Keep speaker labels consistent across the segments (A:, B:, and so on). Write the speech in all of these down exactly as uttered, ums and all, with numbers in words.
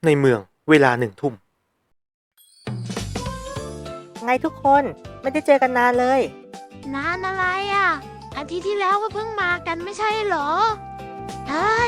A: ในเมืองเวลาหนึ่งทุ่ม
B: ไงทุกคนไม่ได้เจอกันนานเลย
C: นานอะไรอ่ะอาทิตย์ที่แล้วก็เพิ่งมากันไม่ใช่เหรอใช่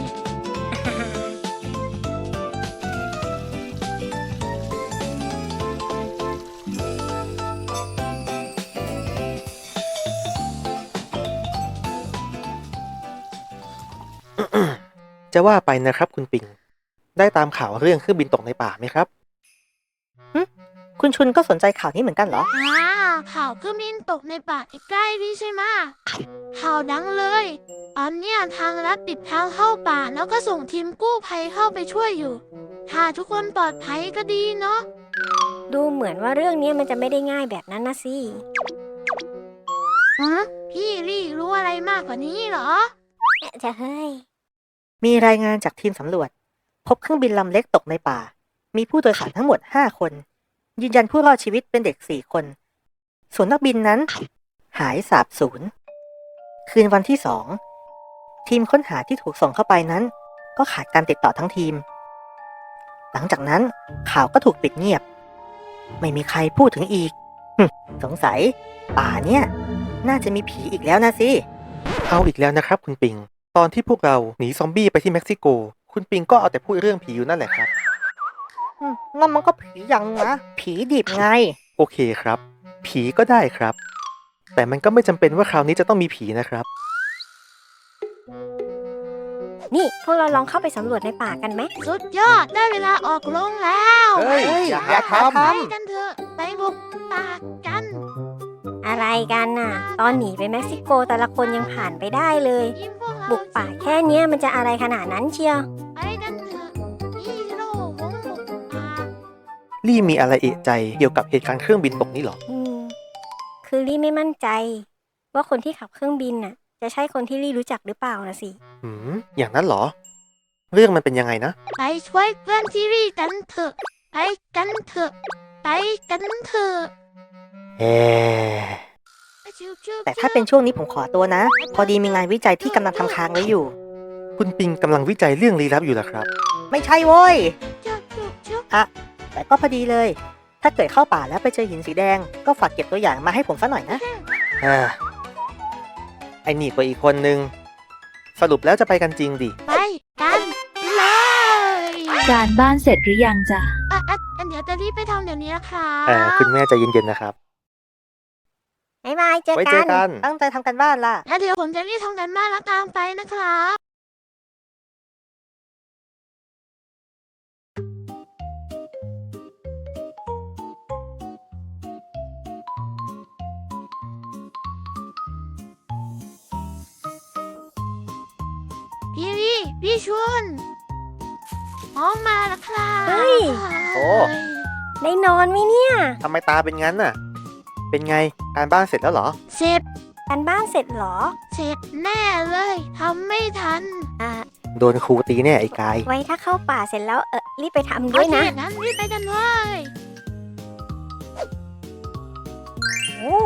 A: จะว่าไปนะครับคุณปิงได้ตามข่าวเรื่องเครื่องบินตกในป่าไหมครับ
B: คุณชุนก็สนใจข่าวนี้เหมือนกันเหรอ
C: อ่าข่าวเครื่องบินตกในป่าใกล้ๆนี่ใช่ไหมข่าวดังเลยตอนเนี้ยทางรัฐปิดทางเข้าป่าแล้วก็ส่งทีมกู้ภัยเข้าไปช่วยอยู่ถ้าทุกคนปลอดภัยก็ดีเนาะ
D: ดูเหมือนว่าเรื่องนี้มันจะไม่ได้ง่ายแบบนั้นนะสิ
C: ฮะพี่ลี่รู้อะไรมากกว่านี้เหรอ
D: จะเฮ้ย
B: มีรายงานจากทีมสำรวจพบเครื่องบินลำเล็กตกในป่ามีผู้โดยสารทั้งหมดห้าคนยืนยันผู้รอดชีวิตเป็นเด็กสี่คนส่วนนักบินนั้นหายสาบสูญคืนวันที่สองทีมค้นหาที่ถูกส่งเข้าไปนั้นก็ขาดการติดต่อทั้งทีมหลังจากนั้นข่าวก็ถูกปิดเงียบไม่มีใครพูดถึงอีกสงสัยป่าเนี่ยน่าจะมีผีอีกแล้วนะสิ
A: เอาอีกแล้วนะครับคุณปิงตอนที่พวกเราหนีซอมบี้ไปที่เม็กซิโกคุณปิงก็เอาแต่พูดเรื่องผีอยู่นั่นแหละครับ
B: นั่นมันก็ผียังนะผีดิบไง
A: โอเคครับผีก็ได้ครับแต่มันก็ไม่จำเป็นว่าคราวนี้จะต้องมีผีนะครับ
D: นี่พวกเราลองเข้าไปสำรวจในป่ากันไหม
C: สุดยอดได้เวลาออกลงแล้ว
A: เฮ้ยอย่าหาทำ
C: ไปกันเถอะไปบุกป่ากัน
D: อะไรกันน่ะตอนหนีไปเม็กซิโกแต่ละคนยังผ่านไปได้เลยบุกป่าแค่เนี้ยมันจะอะไรขนาดนั้นเชียว
C: ไปกันเถอะฮีโร่วงบุกป่า
A: ลี่มีอะไรเอะใจเกี่ยวกับเหตุการณ์เครื่องบินตกนี่หรอ
D: อืมคือลี่ไม่มั่นใจว่าคนที่ขับเครื่องบินน่ะจะใช่คนที่ลี่รู้จักหรือเปล่านะสิ
A: อืมอย่างนั้นเหรอเรื่องมันเป็นยังไงนะ
C: ไปช่วยเพื่อนที่ลี่กันเถอะไปกันเถอะไปกันเถอะ
A: เอ๊
B: แต่ถ้าเป็นช่วงนี้ผมขอตัวนะพอดีมีงานวิจัยที่กำลังทำค้างไว้อยู่
A: คุณปิงกำลังวิจัยเรื่องลี้ลับอยู่เหรอครับ
B: ไม่ใช่โว้ยอะแต่ก็พอดีเลยถ้าเกิดเข้าป่าแล้วไปเจอหินสีแดงก็ฝากเก็บตัวอย่างมาให้ผมซะหน่อยนะ
A: อ่าไอ้นี่กว่าอีกคนนึงสรุปแล้วจะไปกันจริงดิ
C: ไปกันเลย
E: การบ้านเสร็จหรือยังจ๊ะ
C: อ่ะอ่ะเดี๋ยวจะรีบไปทำเดี๋ยวนี้นะคะ
A: เออคุณแม่ใจเย็นๆนะครับ
D: บ๊ายบายเจอ
A: ไว้เจอกัน
B: ตั้งใจทำกันบ้านล่ะ
C: แล้วเดี๋ยวผมจะรีบทำกันบ้านแล้วตามไปนะครับพี่ลี่พี่ชวนพร้อมมาแล้วครับ
D: เฮ้ย
A: โอ้
D: ได้นอนไหมเนี่ย
A: ทำไมตาเป็นงั้นน่ะเป็นไงการบ้านเสร็จแล้วเหรอ
C: เสร็จ
D: การบ้านเสร็จเหรอ
C: เสร็จแน่เลยทำไม่ทัน
D: อ่า
A: โดนครูตีแน่ไอ้กาย
D: ไว้ถ้าเข้าป่าเสร็จแล้วเออรีบไปทำด้วยนะ
C: งั้นรีบไปกันเลย
D: โอ้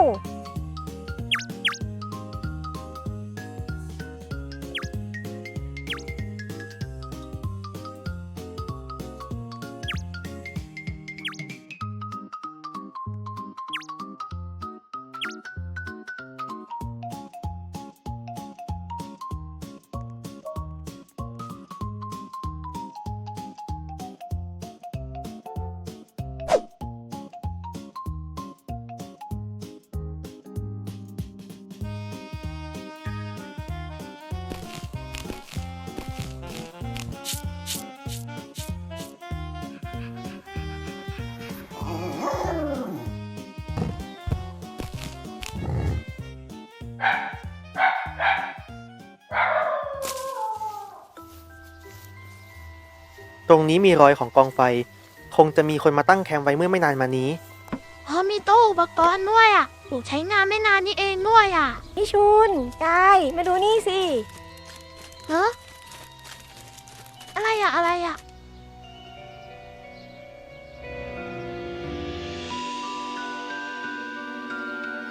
A: ตรงนี้มีรอยของกองไฟคงจะมีคนมาตั้งแคมป์ไว้เมื่อไม่นานมานี้
C: พอมีโต๊ะอุปกรณ์ด้วยอ่ะถูกใช้งานไม่นานนี้เองด้วยอ่ะ
D: พี่ชุนกายมาดูนี่สิ
C: ฮะอะไรอ่ะอะไรอ่ะ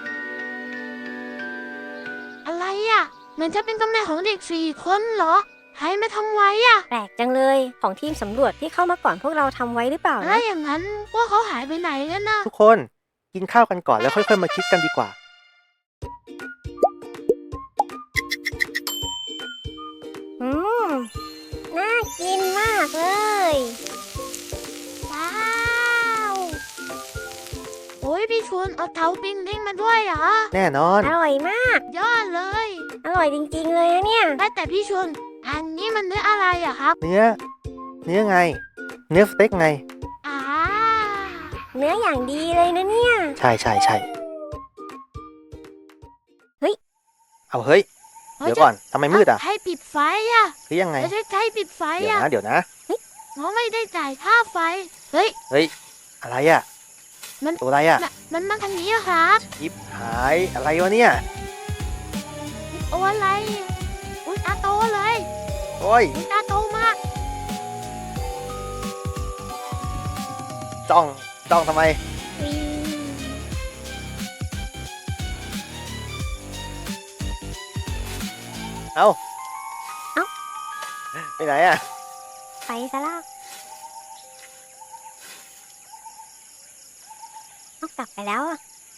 C: อะไรอ่ะเหมือนจะเป็นตำแหน่งของเด็กสี่คนเหรอใครมาทำไว้อ่ะ
D: แปลกจังเลย ของทีมสำรวจที่เข้ามาก่อนพวกเราทำไว้หรือเปล่า
C: แล้
D: นะ
C: วอย่างนั้นพวกเขาหายไปไหนกันนะ
A: ทุกคนกินข้าวกันก่อนแล้วค่อยๆมาคิดกันดีกว่า
D: อืม น่ากินมากเลย
C: ว้าวโอ้ยพี่ชวนเอาเตาปิ้งเด้งมาด้วยเหรอ
A: แน่นอน
D: อร่อยมาก
C: ยอดเลย
D: อร่อยจริงๆเลยนะเนี่ย
C: ว่าแต่พี่ชวนอันนี้มันเนื้ออะไรอะครับ
A: เนื้อ เนื้อไง เนื้อสเต็กไง
C: อ่า
D: เนื้ออย่างดีเลยนะเนี่ย
A: ใช่ใช่ใช่
D: เฮ้ย
A: เอาเฮ้ย เดี๋ยวก่อนทำไมมืดอ่ะ
C: ให้ปิดไฟอะ
A: หรือยังไง
C: ไม่ใช่ใช้ปิดไฟ
A: เดี๋ยว
C: อะ
A: นะเดี๋ยวนะ
C: เพราะไม่ได้จ่ายค่าไฟ เฮ้ย
A: เฮ้ย อะไรอ่ะ
C: มัน
A: ตัวอะไรอ่ะ
C: น่ะมันมาทางนี้อะครับ
A: ยิบหายอะไรวะเนี่ย
C: โอ้อะไร อุ้ยตาโตเลย
A: โอ้ย
C: อุ้ยตาโตมาก
A: จ้องจ้องทำไม เอ้า
D: เอ้า
A: ไปไหนอ่ะ
D: ไปซะแล้วเอากลับไปแล้วอะ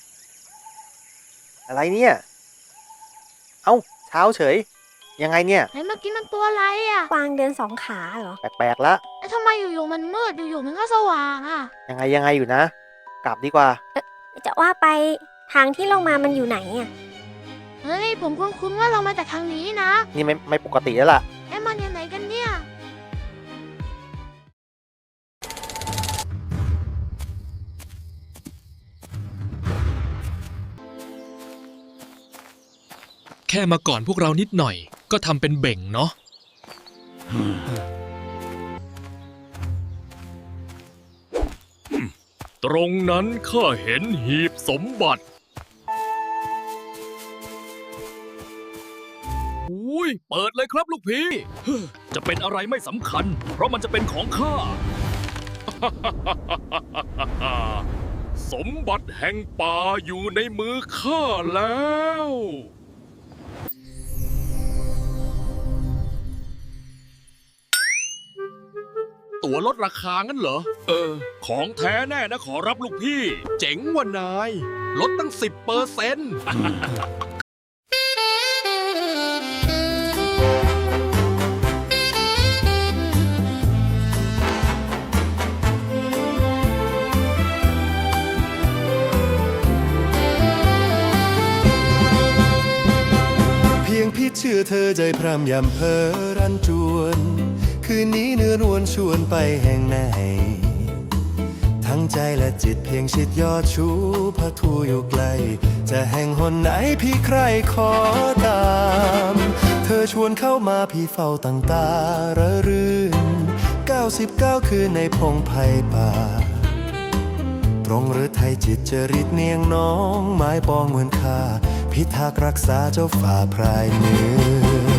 A: อะไรเนี่ย เอ้าเช้าเฉย ยังไงเนี่ย
C: ไหนเมื่อกี้มันตัวอะไรอะ
D: กวางเดินสองขาเหรอ
A: แปลกๆละ
C: ไอ้ทำไมอยู่ๆมันมืดอยู่ๆมันก็สว่างอะ
A: ยังไงยังไงอยู่นะ กลับดีกว่า
D: จะว่าไปทางที่ลงมามันอยู่ไหนอะ
C: เฮ้ยผมคุ้นๆว่าเรามาจากทางนี้นะ
A: นี่ไม่ไม่ปกติแล้วล่ะ
C: ไอ้มันยังไงกันเนี่ย
F: แค่มาก่อนพวกเรานิดหน่อย ก็ทำเป็นเบ่งเนาะ ตรงนั้นข้าเห็นหีบสมบัติอุ้ยเปิดเลยครับลูกพี่เฮ้อจะเป็นอะไรไม่สำคัญ เพราะมันจะเป็นของข้า สมบัติแห่งป่าอยู่ในมือข้าแล้ว ตั๋วลดราคางั้นเหรอ เออ ของแท้แน่นะขอรับลูกพี่ เจ๋งว่านาย ลดตั้งสิบเปอร์เซ็นต์
G: เพียงพิดชื่อเธอใจพร่ำยำเพอรันจวน คืนนี้เนื้อนวลชวนไปแห่งไหน ทั้งใจและจิตเพียงชิดยอดชูพระทูอยู่ไกล จะแห่งหนไหนพี่ใครขอตาม เธอชวนเข้ามาพี่เฝ้าตั้งตาระรื่นเก้าสิบเก้าคืนในพงไพ่ป่า ตรงหรือไทยจิตจริตเนียงน้องไม้ปองเหมือนค่าพิทักษ์รักษาเจ้าฝ่าพรายเนื้อ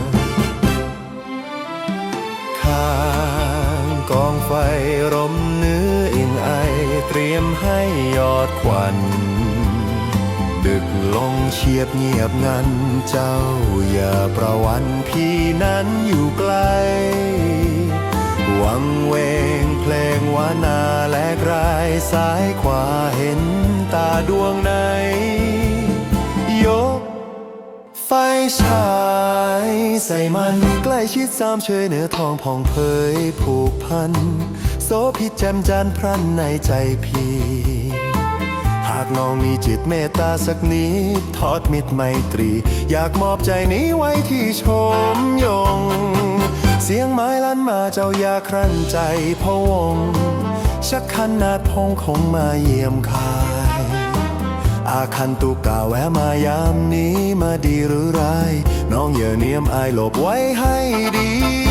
G: ข้างกองไฟร่มเนื้ออิงไอเตรียมให้ยอดควัน ดึกลงเฉียบเงียบงันเจ้าอย่าประวันพี่นั้นอยู่ไกลวังเวงเพลงวานาแลกรายซ้ายขวาเห็นตาดวงไหนยกไฟฉายใส่มันใกล้ชิดสามเชยเหนือทองผ่องเผยผูกพันโสพิษแจ่มจันทร์พรันในใจพี่หากน้องมีจิตเมตตาสักนิดทอดมิตรไมตรีอยากมอบใจนี้ไว้ที่ชมยงเสียงไม้ลั่นมาเจ้าอย่าครั่นใจพะวงชักขันนาดพงคงมาเยี่ยมคายอาคันตุกาแวะมายามนี้มาดีหรือร้ายน้องอย่าเนียมอายหลบไว้ให้ดี